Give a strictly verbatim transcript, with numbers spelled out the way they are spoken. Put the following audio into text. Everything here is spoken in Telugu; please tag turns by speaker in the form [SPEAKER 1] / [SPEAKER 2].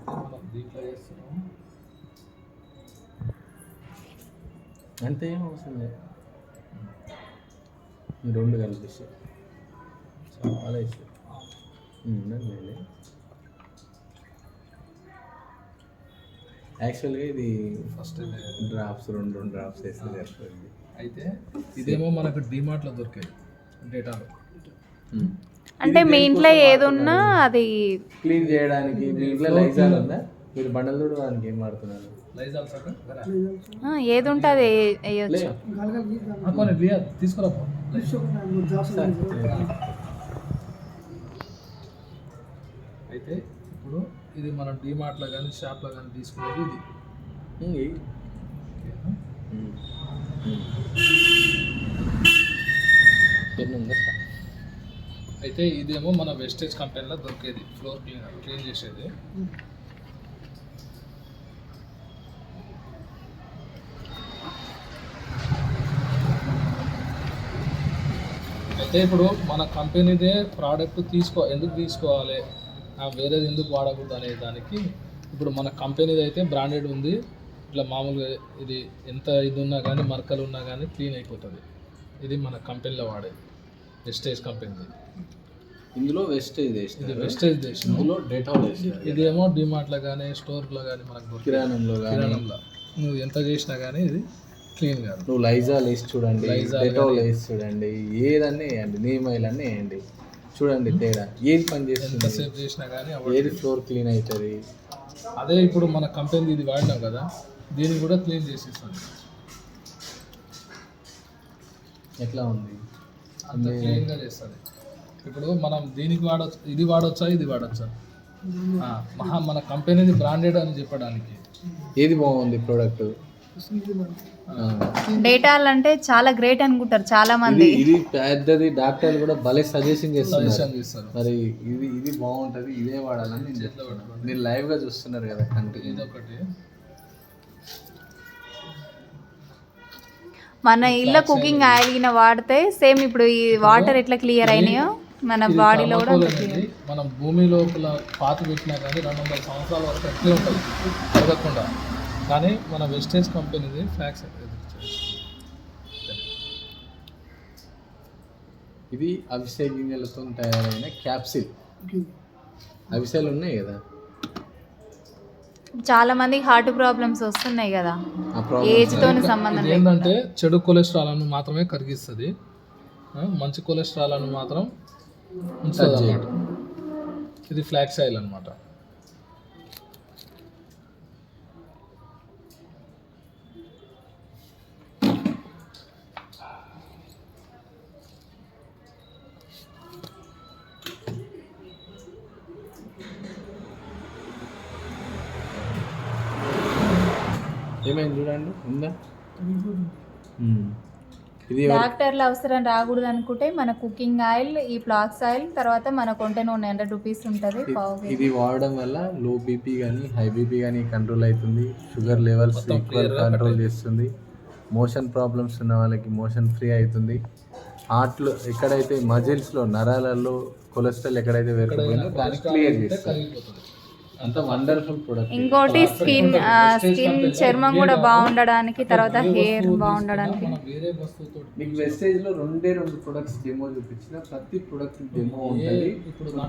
[SPEAKER 1] మనం దీంట్లో చేస్తున్నాం
[SPEAKER 2] అంతే ఏం అవసరం లేదు. ఈ రెండు కలిపిస్తే చాలా ఇష్టం. ఉండండి, యాక్చువల్గా ఇది
[SPEAKER 1] ఫస్ట్
[SPEAKER 2] డ్రాప్స్ రెండు రెండు డ్రాప్స్ వేస్తే సరిపోయింది.
[SPEAKER 1] అయితే ఇదేమో మనకు డిమార్ట్లో దొరికాయి డేటాలో.
[SPEAKER 3] అంటే మీ ఇంట్లో ఏది ఉన్నా అది
[SPEAKER 2] క్లీన్ చేయడానికి. మీ ఇంట్లో లైజాల్ ఉందా? మీరు బండలు తుడవడానికి ఏం వాడుతున్నారు?
[SPEAKER 1] లైజాల్ సార్
[SPEAKER 3] ఏది ఉంటే అది వేయచ్చు.
[SPEAKER 1] కొన్ని క్లియర్ తీసుకురా. అయితే ఇప్పుడు ఇది మనం డిమార్ట్లో కానీ షాప్లో కానీ తీసుకునేది ఇది. అయితే ఇదేమో మన వెస్టేజ్ కంపెనీలో దొరికేది ఫ్లోర్ క్లీనర్, క్లీన్ చేసేది. అయితే ఇప్పుడు మన కంపెనీదే ప్రోడక్ట్ తీసుకో ఎందుకు తీసుకోవాలి, వేరేది ఎందుకు వాడకూడదు అనే దానికి ఇప్పుడు మన కంపెనీది అయితే బ్రాండెడ్ ఉంది. ఇట్లా మామూలుగా ఇది ఎంత ఇది ఉన్నా కానీ మరకలు ఉన్నా కానీ క్లీన్ అయిపోతుంది. ఇది మన కంపెనీలో వాడేది వెస్టేజ్ కంపెనీది.
[SPEAKER 2] ఇందులో వెస్టేజ్
[SPEAKER 1] ఇది వెస్టేజ్ దేశం.
[SPEAKER 2] ఇందులో డేటాల్
[SPEAKER 1] ఇదేమో డిమార్ట్లో కానీ స్టోర్లో కానీ మనకు
[SPEAKER 2] కిరాణంలో
[SPEAKER 1] కిరాణంలో నువ్వు ఎంత చేసినా కానీ ఇది క్లీన్ కాదు.
[SPEAKER 2] నువ్వు లైజాల్ వేసి చూడండి, డెటాల్ వేసి చూడండి, ఏదన్నీ వేయండి, నీమైల్ అన్నీ వేయండి, చూడండి తేడా ఏది పని చేస్తుంది,
[SPEAKER 1] ఎంతసేపు చేసినా కానీ
[SPEAKER 2] ఏది ఫ్లోర్ క్లీన్ అవుతుంది.
[SPEAKER 1] అదే ఇప్పుడు మన కంపెనీ ఇది వాడినాం కదా, దీన్ని కూడా క్లీన్ చేసేస్తాను.
[SPEAKER 2] ఎట్లా ఉంది?
[SPEAKER 1] అంత క్లీన్గా చేస్తుంది. ఇప్పుడు మనం దీనికి వాడచ్చు, ఇది వాడచ్చా, ఇది వాడచ్చా, మహా మన కంపెనీది బ్రాండెడ్ అని చెప్పడానికి
[SPEAKER 2] ఏది బాగుంది ప్రోడక్ట్?
[SPEAKER 3] డేటాల్ అంటే చాలా గ్రేట్ అనుకుంటారు చాలా మంది.
[SPEAKER 2] ఇది పెద్దది, డాక్టర్లు కూడా భలే సజెషన్
[SPEAKER 1] సజెషన్
[SPEAKER 2] చేస్తారు.
[SPEAKER 1] చేస్తారు.
[SPEAKER 2] మరి ఇది ఇది బాగుంటుంది, ఇదే వాడాలని నేను చెప్తాను. మీరు లైవ్ గా చూస్తున్నారు కదా కంటిన్యూ.
[SPEAKER 1] ఇది ఒకటి
[SPEAKER 3] మన ఇళ్ళ కుకింగ్ ఆయిల్ గిన వాడితే సేమ్ ఇప్పుడు ఈ వాటర్ ఎట్లా క్లియర్ అయినాయో మన బాడీలో కూడా
[SPEAKER 1] అనేది మనం భూమి లోపల పాత పెట్టినా కానీ రెండు వందల సంవత్సరాల వరకు ఎట్లే ఉంటుంది పెరగకుండా. కానీ మన వెస్టేజ్ కంపెనీది ఫ్లాక్స్
[SPEAKER 2] ఇది అవిసె గింజలతో తయారైన క్యాప్సిల్. అవిసెలు ఉన్నాయి కదా,
[SPEAKER 3] చాలా మందికి హార్ట్ ప్రాబ్లమ్స్ వస్తున్నాయి కదా, ఏజ్ తోని సంబంధం లేదు.
[SPEAKER 1] ఏంటంటే చెడు కొలెస్ట్రాల్ అని మాత్రమే కరిగిస్తుంది, మంచి కొలెస్ట్రాల్ అని మాత్రం ఉంచుతుంది అన్నమాట. ఇది ఫ్లాక్స్ ఆయిల్ అనమాట.
[SPEAKER 2] ఏమైంది చూడండి, ఉందా? ఇది
[SPEAKER 3] డాక్టర్లు అవసరం రాకూడదు అనుకుంటే మన కుకింగ్ ఆయిల్, ఈ ఫ్లాక్స్ ఆయిల్, తర్వాత మన కొంటె నూనె హండ్రెడ్ రూపీస్ ఉంటుంది.
[SPEAKER 2] ఇది వాడడం వల్ల లో బీపీ కానీ హై బీపీ కానీ కంట్రోల్ అవుతుంది. షుగర్ లెవెల్స్ ఈక్వల్ కంట్రోల్ చేస్తుంది. మోషన్ ప్రాబ్లమ్స్ ఉన్న వాళ్ళకి మోషన్ ఫ్రీ అవుతుంది. హార్ట్లో ఎక్కడైతే మజిల్స్లో నరాలలో కొలెస్ట్రాల్ ఎక్కడైతే వేరుకుపోయిందో దాన్ని క్లియర్ చేస్తుంది. అంత వండర్ఫుల్ ప్రొడక్ట్.
[SPEAKER 3] ఇంకోటి స్కిన్ స్కిన్ చర్మం కూడా బాగుండడానికి, తర్వాత హెయిర్ బాగుండడానికి.
[SPEAKER 2] మీకు వెస్టేజ్ లో రెండే రెండు ప్రొడక్ట్స్ డెమో చూపించిన, ప్రతి ప్రొడక్ట్ డెమో ఉంటుంది.